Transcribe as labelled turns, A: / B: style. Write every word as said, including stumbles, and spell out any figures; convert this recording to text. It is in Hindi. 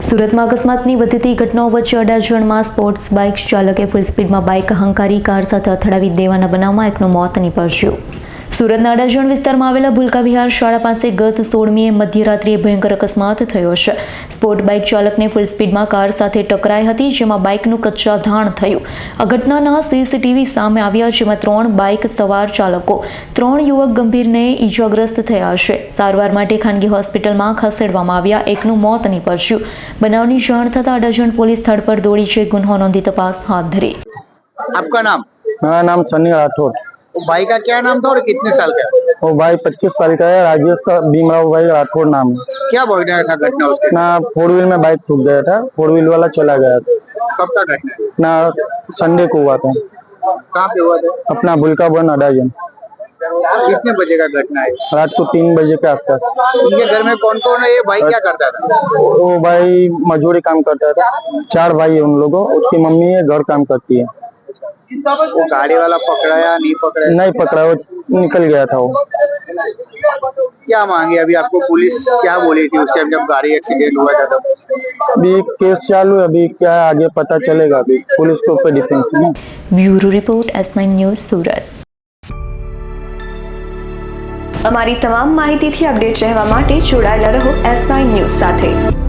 A: સુરતમાં અકસ્માતની વધતી ઘટનાઓ વચ્ચે અડાજણમાં સ્પોર્ટ્સ બાઇક ચાલકે ફૂલ સ્પીડમાં બાઇક હંકારી કાર સાથે અથડાવી દેવાના બનાવમાં એકનું મોત નીપજ્યું। સુરતના અડાજણ વિસ્તારમાં આવેલા ભૂલકા વિહાર શાળા પાસે ગત સોળમીએ મધ્યરાત્રિએ ભયંકર અકસ્માત થયો છે। સ્પોર્ટ બાઇક ચાલકને ફૂલ સ્પીડમાં કાર સાથે ટકરાઈ હતી, જેમાં બાઇકનું કચ્છા ધાણ થયું। આ ઘટનાના સીસીટીવી સામે આવ્યા, જેમાં ત્રણ બાઇક સવાર ચાલકો ત્રણ યુવક ગંભીરને ઈજાગ્રસ્ત થયા છે। સારવાર માટે ખાનગી હોસ્પિટલમાં ખસેડવામાં આવ્યા, એકનું મોત નીપજ્યું। બનાવની જાણ થતાં અડાજણ પોલીસ સ્થળ પર दौड़ी છે, गुन्हो नोंधी तपास हाथ धरी।
B: आपका नाम?
C: मेरा नाम सनी राठौर।
B: वो भाई का क्या नाम था और कितने साल का है?
C: वो भाई पच्चीस साल का है, राजेश का भीमराव भाई राठौर नाम है।
B: क्या भोगना था घटना उसके?
C: ना फोर व्हील में बाइक ठुक गया था, फोर व्हील वाला चला गया था।
B: कब का घटना है?
C: ना संडे को हुआ था।
B: कहाँ पे हुआ था?
C: अपना भूलका वन अडाजन।
B: कितने बजे का घटना है?
C: रात को तीन बजे के आसपास।
B: उनके घर में कौन कौन है? ये भाई क्या करता था?
C: वो भाई मजदूरी काम करता था। चार भाई है उन लोगों, उसकी मम्मी है घर काम करती है।
B: वो गाड़ी वाला पकड़ा या नहीं पकड़ा?
C: नहीं पकड़ा, वो निकल गया था। वो
B: क्या मांगे अभी आपको? पुलिस क्या बोली थी उस टाइम जब गाड़ी एक्सीडेंट हुआ था? तब
C: अभी केस चालू है, अभी क्या है आगे पता चलेगा। अभी पुलिस के ऊपर डिपेंड है।
A: Bureau report S nine news Surat.
D: અમારી તમામ માહિતીથી અપડેટ રહેવા માટે જોડાયેલા રહો એસ નાઇન ન્યૂઝ સાથે।